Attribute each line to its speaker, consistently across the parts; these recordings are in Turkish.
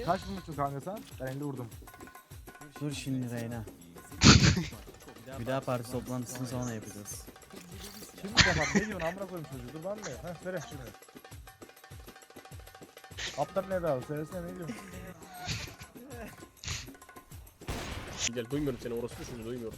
Speaker 1: Kaç vurmuşsun kanka sen? Ben 50 vurdum.
Speaker 2: Dur şimdi Reyna. Bir daha parti toplantısını sonra yapacağız.
Speaker 1: Şimdi yapalım. Ne diyorsun amına koyayım çocuğu? Dur ben de. Heh söyle şimdi. Aptal ne daha? Söylesene ne diyorsun?
Speaker 3: Gel duymuyorum seni orospu şimdi duymuyorum.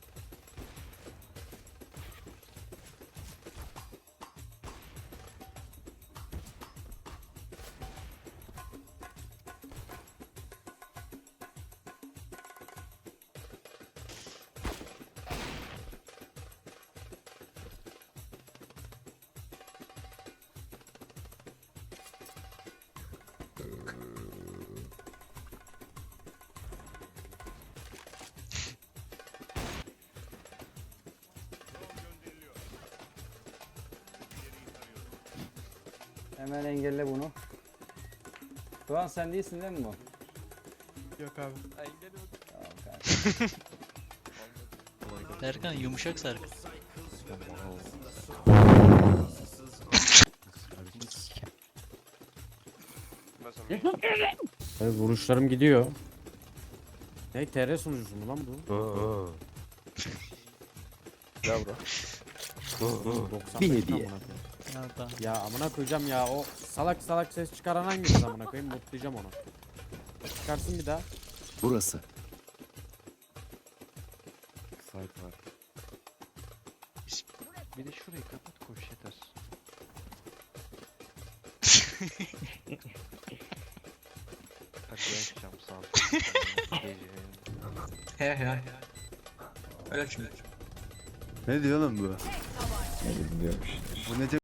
Speaker 4: Hemen engelle bunu. Doğan sen değilsin değil mi bu?
Speaker 1: Yok abi.
Speaker 4: Tamam kanka.
Speaker 5: Serkan yumuşak Serkan.
Speaker 6: Abi vuruşlarım gidiyor. Ne TR sunucusu mu lan bu?
Speaker 3: Ya bro.
Speaker 6: 95 amına koyayım.
Speaker 5: Nerede?
Speaker 6: Ya amına koyacağım ya o salak salak ses çıkaran hangisi amına koyayım mutlayacağım onu. Çıkarsın bir daha.
Speaker 7: Burası.
Speaker 8: Site var. Bir de şurayı kapat koş yeter. Hadi ben çıkacağım sağ ol. Gece.
Speaker 5: He. Öyle şimdi.
Speaker 7: Ne diyor lan bu? Bu ne